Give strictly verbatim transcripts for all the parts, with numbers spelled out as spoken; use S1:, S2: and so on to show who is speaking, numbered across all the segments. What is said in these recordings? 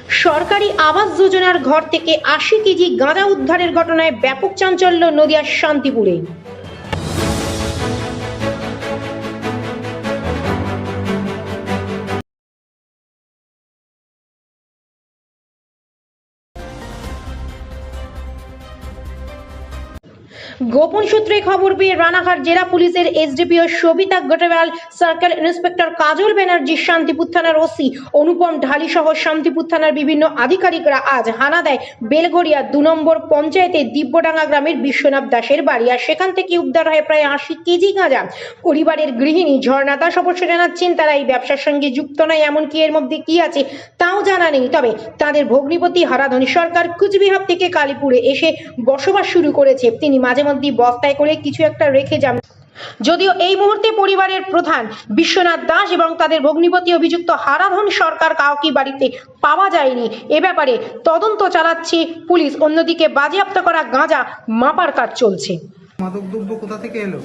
S1: সরকারি আবাস যোজনার ঘর থেকে আশি কেজি গাঁজা উদ্ধারের ঘটনায় ব্যাপক চাঞ্চল্য নদিয়ার শান্তিপুরে। গোপন সূত্রে খবর পেয়ে রানাঘাট জেলা পুলিশের SDPO Sabita Gotewal, circle inspector Kajal Banerjee, Shantipur থানার ওসি অনুপম ঢালি সহ শান্তিপুর থানার বিভিন্ন আধিকারিকরা আজ হানা দেয় বেলঘরিয়া দু নম্বর পঞ্চায়েতের দিব্যডাঙ্গা গ্রামের বিশ্বনাথ দাসের বাড়ি। আর সেখান থেকে উদ্ধার হয় প্রায় আশি কেজি গাঁজা। পরিবারের গৃহিণী ঝর্ণা দাস অবশ্য জানাচ্ছেন তারা এই ব্যবসার সঙ্গে যুক্ত নয়, এমনকি এর মধ্যে কি আছে তাও জানা নেই। তবে তাদের ভগ্নিপতি হারাধন সরকার কুচবিহার থেকে কালীপুরে এসে বসবাস শুরু করেছে। তিনি মাঝে মধ্যে বস্তায় করে কিছু একটা রেখে যান। যদিও এই মুহূর্তে পরিবারের প্রধান বিশ্বনাথ দাস এবং তাদের ভগ্নিপতি অভিযুক্ত হারাধন সরকার কাউকে বাড়িতে পাওয়া যায়নি। এ ব্যাপারে তদন্ত চালাচ্ছে পুলিশ। অন্যদিকে বাজেয়াপ্ত করা গাঁজা মাপার কাজ চলছে।
S2: মাদকদ্রব্য কোথা থেকে এলো?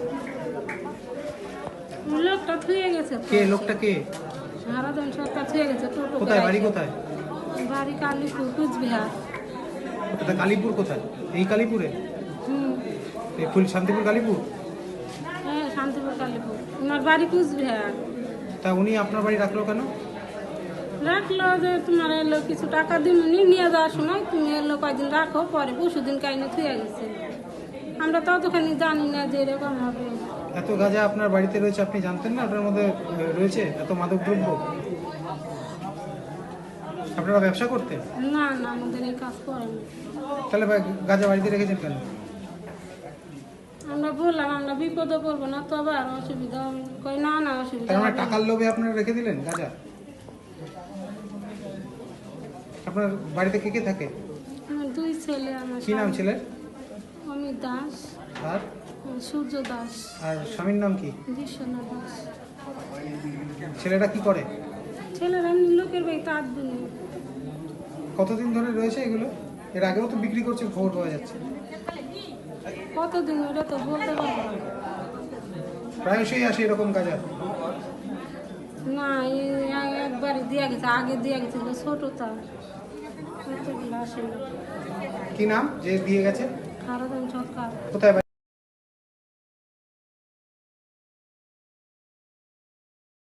S3: লোকটা থুয়ে গেছে।
S2: কে লোকটা কে?
S3: হারাধন সরকার থুয়ে গেছে। টোটো
S2: কোথায় বাড়ি? কোথায়
S3: বাড়ি? কালীপুর, কুচবিহার।
S2: কোথায়? কালীপুর কোথায়? এই কালীপুরে?
S3: হুম,
S2: এই ফুল শান্তিপুর কালীপুর?
S3: হ্যাঁ, শান্তিপুর কালীপুর। ওনার বাড়ি কুচবিহার।
S2: তা উনি আপনার বাড়ি রাখলো কেন?
S3: রাখলো যে তোমার এলো কিছু টাকা দিমনি নিয়ে যাওয়ার সময়, তুমি এলো কয়দিন রাখো, পরে পরশু দিন কাইনে থুয়ে গেছে। আমরা ততখানি জানি না যে এরকম হবে।
S2: এত গাঁজা আপনার বাড়িতে রয়েছে, আপনি জানতেন না ওটার মধ্যে রয়েছে এত মাদকদ্রব্য? আপনারা ব্যবসা করতেন?
S3: না না, আমাদের এই কাজ করেন।
S2: তাহলে গাঁজা বাড়িতে রেখেছেন কেন?
S3: আমরা বললাম আমরা বিপদে পড়বো না, তবে আর অসুবিধা হবে। কই না না, অসুবিধা
S2: তার মানে
S3: হবে না।
S2: টাকার লোভে আপনারা রেখে দিলেন গাঁজা? আপনার বাড়িতে কে কে থাকে?
S3: আমার দুই ছেলে। আমার
S2: কি নাম ছেলের?
S3: অমিত দাস
S2: আর
S3: সূর্য দাস।
S2: আর স্বামীর নাম কি?
S3: বিশ্বনাথ দাস।
S2: ছেলেটা কি করে?
S3: ছেলেরা এমনি লোকের বাড়িতে আট দিন।
S2: কতদিন ধরে রয়েছে এগুলো? এর আগেও তো বিক্রি করছে, খবর পাওয়া যাচ্ছে।
S3: কতদিন ওটা তো বলতে পারবো না।
S2: প্রায়শই আসে এরকম গাঁজা?
S3: না, এই একবারই দিয়া গেছে, আগে দিয়া গেছে ছোটটা, এতগুলো আসে না।
S2: কি নাম যে দিয়ে গেছে?
S3: হারাধন সরকার।
S2: কোথায় বাড়ি?